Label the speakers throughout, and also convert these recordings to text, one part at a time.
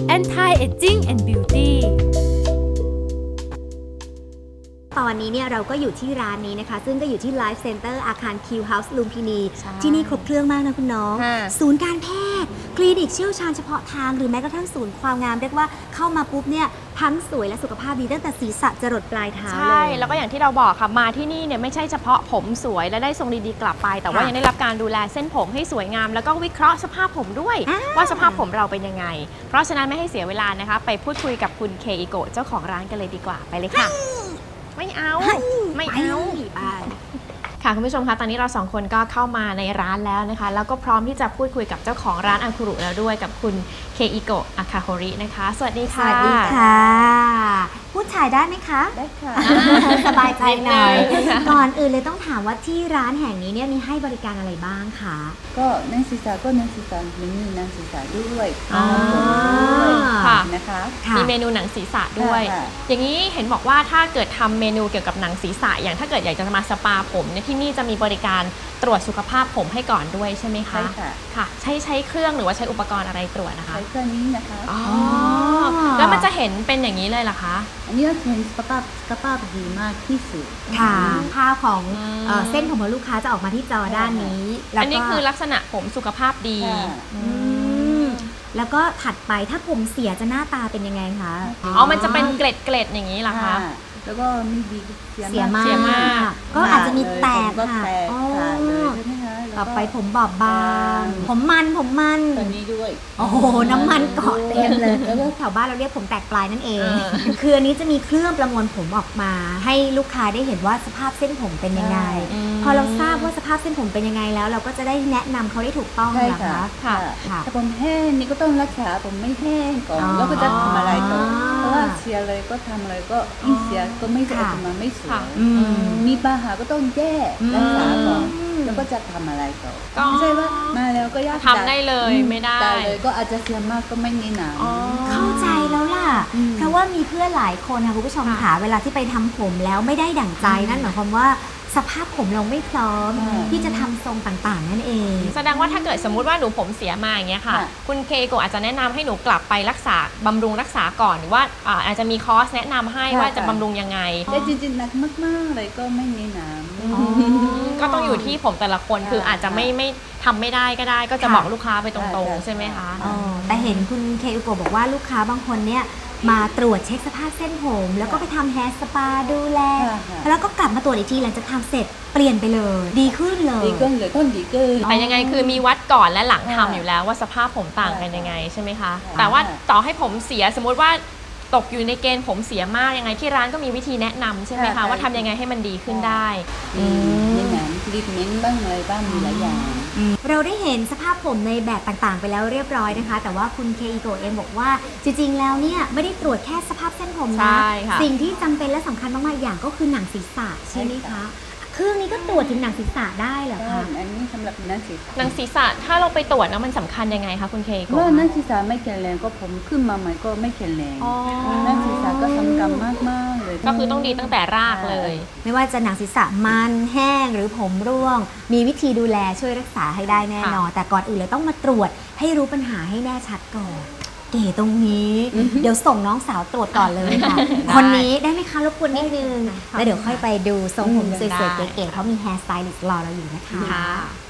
Speaker 1: Anti-Aging and Beauty
Speaker 2: ตอนนี้เนี่ยเราก็อยู่ที่ร้านนี้นะคะซึ่งก็อยู่ที่ Life Center อาคาร Q House ลุมพินีที่นี่ครบเครื่องมากนะคุณน้องศูนย์การแพทย์คลินิกเชี่ยวชาญเฉพาะทางหรือแม้กระทั่งศูนย์ความงามเรียกว่าเข้ามาปุ๊บเนี่ยทั้งสวยและสุขภาพดีตั้งแต่ศีรษะจรดปลายเท้าเลย
Speaker 3: ใช่แล้วก็อย่างที่เราบอกค่ะมาที่นี่เนี่ยไม่ใช่เฉพาะผมสวยและได้ทรงดีๆกลับไปแต่ว่ายังได้รับการดูแลเส้นผมให้สวยงามแล้วก็วิเคราะห์สภาพผมด้วยว่าสภาพผมเราเป็นยังไงเพราะฉะนั้นไม่ให้เสียเวลานะคะไปพูดคุยกับคุณเคอิโกะเจ้าของร้านกันเลยดีกว่าไปเลยค่ะไม่เอาค่ะคุณผู้ชมคะตอนนี้เราสองคนก็เข้ามาในร้านแล้วนะคะแล้วก็พร้อมที่จะพูดคุยกับเจ้าของร้านอาคุรุแล้วด้วยกับคุณเคอิโกะอาคาโฮรินะคะสวัสดีค่ะ
Speaker 2: สวัสดีค่ะพูดถ่ายได้ไหมคะ
Speaker 4: ได้ค่ะ
Speaker 2: สบายใจหน่อยก่อนอื่นเลยต้องถามว่าที่ร้านแห่งนี้เนี่ยมีให้บริการอะไรบ้างคะ
Speaker 4: ก็นักศึกษาก็นักศึกษามินินักศึกษาด้วย
Speaker 3: ค่ะ
Speaker 4: นะคะ
Speaker 3: มีเมนูหนังศีรษะด้วยอย่างนี้เห็นบอกว่าถ้าเกิดทำเมนูเกี่ยวกับหนังศีรษะอย่างถ้าเกิดอยากจะมาสปาผมเนี่ยที่นี่จะมีบริการตรวจสุขภาพผมให้ก่อนด้วยใช่ไหมคะ
Speaker 4: ใช่ค่ะ
Speaker 3: ค่ะใช้เครื่องหรือว่าใช้อุปกรณ์อะไรตรวจนะคะ
Speaker 4: ใช้เครื่องนี้นะคะ
Speaker 3: อ๋อแล้วมันจะเห็นเป็นอย่างนี้เลยเหรอคะ
Speaker 4: อันนี้เป็นสุขภาพดีมากที่สุด
Speaker 2: ค่ะภาพของเส้นผมของลูกค้าจะออกมาที่จอด้านนี้
Speaker 3: อันนี้คือลักษณะผมสุขภาพดี
Speaker 2: แล้วก็ถัดไปถ้าผมเสียจะหน้าตาเป็นยังไงคะ
Speaker 3: อ๋อมันจะเป็นเกล็ดอย่างนี้เหรอคะ
Speaker 4: แล้วก็มีดี
Speaker 2: เสียมากก็อาจจะมีแตกค่ะต่อไปผมบอบบางผมมัน
Speaker 4: ตัวนี้ด้วย
Speaker 2: โอ้โหน้ำมันเกาะเต็มเลยแล้วก็แถวบ้านเราเรียกผมแตกปลายนั่นเองคืออันนี้จะมีเครื่องประมวลผมออกมาให้ลูกค้าได้เห็นว่าสภาพเส้นผมเป็นยังไงพอเราทราบว่าสภาพเส้นผมเป็นยังไงแล้วเราก็จะได้แนะนำเขาได้ถูกต้องนะคะ
Speaker 4: ค่ะถ้าผมแห้งนี่ก็ต้องรักษาผมไม่แห้งก่อนแล้วก็จะทำอะไรต่อเพราะว่าเสียเลยก็ทำอะไรก็ยิ่งเสียก็ไม่ออกมาไม่สวยมีปัญหาก็ต้องแก้รักษาก่อนแล้วก็จะทำอะไรต่อไม่ใช่ว่ามาแล้วก็ยาก
Speaker 3: ทำได้เลยไม่ได้
Speaker 4: เลยก็อาจจะเสียมากก็ไม่มีหนัง
Speaker 2: เข้าใจแล้วล่ะเพราะว่ามีเพื่อนหลายคนค่ะคุณผู้ชมค่ะเวลาที่ไปทำผมแล้วไม่ได้ดั่งใจนั่นหมายความว่าสภาพผมเราไม่พร้อมที่จะทำทรงต่างๆนั่นเอง
Speaker 3: แสดงว่าถ้าเกิดสมมุติว่าหนูผมเสียมาอย่างเงี้ยค่ะคุณเคโกอาจจะแนะนำให้หนูกลับไปรักษาบำรุงรักษาก่อนหรือว่าอาจจะมีคอร์สแนะนำให้ว่าจะบำรุงยังไง
Speaker 4: แต่จริงๆหนักมากๆเลยก็ไม่มีหนัง
Speaker 3: ก็ต้องอยู่ที่ผมแต่ละคนคืออาจจะไม่ทำไม่ได้ก็ได้ก็จะบอกลูกค้าไปตรงๆใช่ไหมคะ
Speaker 2: แต่เห็นคุณเคโกบอกว่าลูกค้าบางคนเนี่ยมาตรวจเช็คสภาพเส้นผมแล้วก็ไปทำแฮร์สปาดูแลแล้วก็กลับมาตรวจอีกทีหลังจากทำเสร็จเปลี่ยนไปเลยดีขึ้นเลย
Speaker 4: ต้นดีขึ้น
Speaker 3: แต่ยังไงคือมีวัดก่อนและหลังทำอยู่แล้วว่าสภาพผมต่างกันยังไงใช่ไหมคะแต่ว่าต่อให้ผมเสียสมมุติว่าตกอยู่ในเกณฑ์ผมเสียมากยังไงที่ร้านก็มีวิธีแนะนำใช่ไหมคะว่าทำยังไงให้มันดีขึ้นได้
Speaker 4: นี่หนังทรีทเมนต์บ้างอะไรบ้างมีหลายอย่าง
Speaker 2: เราได้เห็นสภาพผมในแบบต่างๆไปแล้วเรียบร้อยนะคะแต่ว่าคุณเคอิโกะเองบอกว่าจริงๆแล้วเนี่ยไม่ได้ตรวจแค่สภาพเส้นผมนะสิ่งที่จำเป็นและสำคัญมากๆอย่างก็คือหนังศีรษะใช่ไหมคะเครื่องนี้ก็ตรวจถึงหนังศีรษะได้เหรอคะ
Speaker 4: อันนี้สำหรับหนังศีรษะ
Speaker 3: หนังศีรษะถ้าเราไปตรวจแล้วมันสำคัญยังไงคะคุณเคโกะ
Speaker 4: ว่าหนังศีรษะไม่แข็งแรงก็ผมขึ้นมาใหม่ก็ไม่แข็งแรงหนังศีรษะก็สำคัญมากๆเลย
Speaker 3: ก็คือต้องดีตั้งแต่รากเลย
Speaker 2: ไม่ว่าจะหนังศีรษะมันแห้งหรือผมร่วงมีวิธีดูแลช่วยรักษาให้ได้แน่นอนแต่ก่อนอื่นเลยต้องมาตรวจให้รู้ปัญหาให้แน่ชัดก่อนเก๋ตรงนี้เดี๋ยวส่งน้องสาวตรวจก่อนเลยค่ะคนนี้ได้ไหมคะรบกวนนิดนึงแล้วเดี๋ยวค่อยไปดูทรงผมสวยๆเก๋ๆเพราะมีแฮร์สไตลิสต์รอเราอยู่นะคะ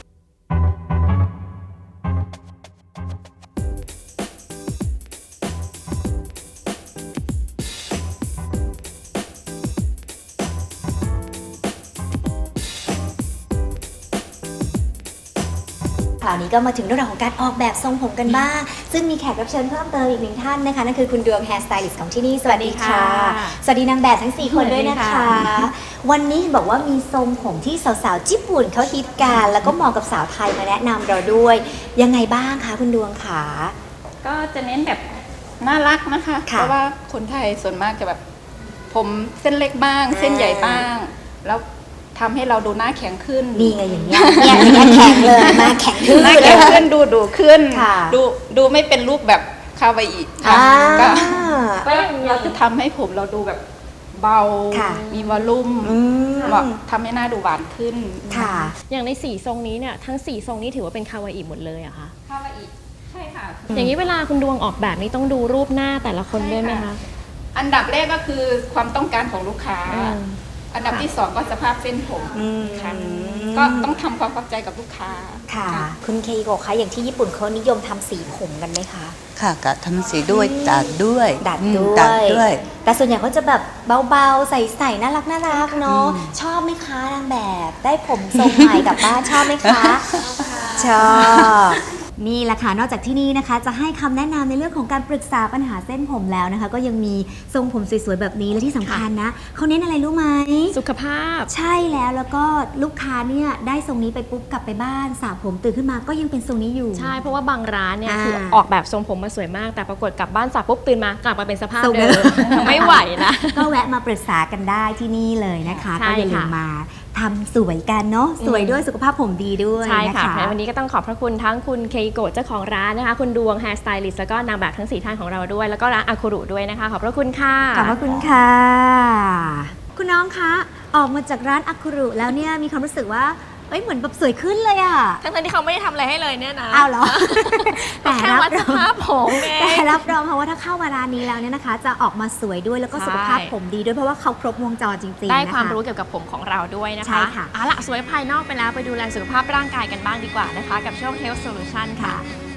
Speaker 2: คราวนี้ก็มาถึงเรื่องของการออกแบบทรงผมกันบ้างซึ่งมีแขกรับเชิญเพิ่มเติมอีกหนึ่งท่านนะคะนั่นคือคุณดวงแฮร์สไตลิสต์ของที่นี่สวัสดีค่ะสวัสดีนางแบบทั้ง4คนด้วยนะคะวันนี้บอกว่ามีทรงผมที่สาวๆญี่ปุ่นเขาฮิตกันแล้วก็เหมาะกับสาวไทยมาแนะนำเราด้วยยังไงบ้างคะคุณดวงคะ
Speaker 5: ก็จะเน้นแบบน่ารักนะคะเพราะว่าคนไทยส่วนมากจะแบบผมเส้นเล็กบ้างเส้นใหญ่บ้างแล้วทำให้เราดูหน้าแข็งขึ้น
Speaker 2: ดีไงอย่างเงี้ยแข็งเลยมาแข็งขึ้น
Speaker 5: หน้าแข็งขึ้นดูขึ้นดูไม่เป็นรูปแบบคาวาอิค่ะก็เราจะทำให้ผมเราดูแบบเบามีวอลลุ่มทำให้หน้าดูหวานขึ้น
Speaker 2: ค่ะ
Speaker 3: อย่างใน4ทรงนี้เนี่ยทั้ง4ทรงนี้ถือว่าเป็นคาวาอิหมดเลยอะคะ
Speaker 5: คาวาอิใช่ค่ะ
Speaker 3: อย่างนี้เวลาคุณดวงออกแบบนี้ต้องดูรูปหน้าแต่ละคนด้วยไหมคะ
Speaker 5: อันดับแรกก็คือความต้องการของลูกค้า อันดับที่ 2 ก็สภาพเส้นผมค่ะก็ต้องทำความเข้าใจกับลูกค้า
Speaker 2: ค่ะ คุณเคโกะคะอย่างที่ญี่ปุ่นเขานิยมทำสีผมกันไหมคะ
Speaker 4: ค่ะกะทำสีด้วยดัดด้วย
Speaker 2: ดัด
Speaker 4: อืม
Speaker 2: ด้วย
Speaker 4: ดัดด้วย
Speaker 2: แต่ส่วนใหญ่เขาจะแบบเบาๆ ใส่ๆน่ารักน่ารักเนาะชอบไหมคะนางแบบได้ผมทรงใหม่กลับบ้านชอบไหมคะ ชอบนี่แหละค่ะนอกจากที่นี่นะคะ จะให้คำแนะนำในเรื่องของการปรึกษาปัญหาเส้นผมแล้วนะคะ ก็ยังมีทรงผมสวยๆแบบนี้และที่สำคัญนะเขาเน้นอะไรรู้ไหม
Speaker 3: สุขภาพ
Speaker 2: ใช่แล้วก็ลูกค้าเนี่ยได้ทรงนี้ไปปุ๊บกลับไปบ้านสระผมตื่นขึ้นมาก็ยังเป็นทรงนี้อยู่
Speaker 3: ใช่เพราะว่าบางร้านเนี่ย
Speaker 2: อ่า
Speaker 3: คือออกแบบทรงผมมาสวยมาก แต่ปรากฏกลับบ้านสระปุ๊บตื่นมากลับมาเป็นสภาพ
Speaker 2: ทรงเดิ
Speaker 3: เดิ
Speaker 2: ม
Speaker 3: ม ไม่ไหวนะ
Speaker 2: ก็แวะมาปรึกษากันได้ที่นี่เลยนะคะ
Speaker 3: ใช่
Speaker 2: ก็อย่าลืม
Speaker 3: ค่ะ
Speaker 2: มาทำสวยกันเนาะสวยด้วยสุขภาพผมดีด้วย
Speaker 3: ใช่
Speaker 2: นะ
Speaker 3: ค่ะ
Speaker 2: คะ
Speaker 3: วันนี้ก็ต้องขอบพระคุณทั้งคุณเคโกะเจ้าของร้านนะคะ คุณดวงแฮร์สไตลิสต์แล้วก็นางแบบทั้ง 4 ท่านของเราด้วย แล้วก็ร้านอาคุรุด้วยนะคะ ขอบพระคุณค่ะ
Speaker 2: ขอบพระคุณค่ะ คุณน้องคะออกมาจากร้านอาคุรุแล้วเนี่ยมีความรู้สึกว่าเอ้ยเหมือนแบบสวยขึ้นเลยอะ
Speaker 3: ทั้งๆที่เขาไม่ได้ทำอะไรให้เลยเนี่ยนะ
Speaker 2: อ้าวเหรอ
Speaker 3: แต่แค่วัดสภาพผมเอง
Speaker 2: แต่รับรองค่ะว่าถ้าเข้ามาร้านนี้แล้วเนี่ยนะคะ จะออกมาสวยด้วยแล้วก็
Speaker 3: ใช่
Speaker 2: สุขภาพผมดีด้วยเพราะว่าเขาครบวงจรจริงๆ
Speaker 3: ได้
Speaker 2: นะคะ
Speaker 3: ความรู้เกี่ยวกับผมของเราด้วยนะคะ
Speaker 2: ใช่ค่ะ
Speaker 3: เอาล่ะสวยภายนอกไปแล้วไปดูแลสุขภาพร่างกายกันบ้างดีกว่านะคะ กับช่วง Health Solution ค่ะ
Speaker 2: ค่ะ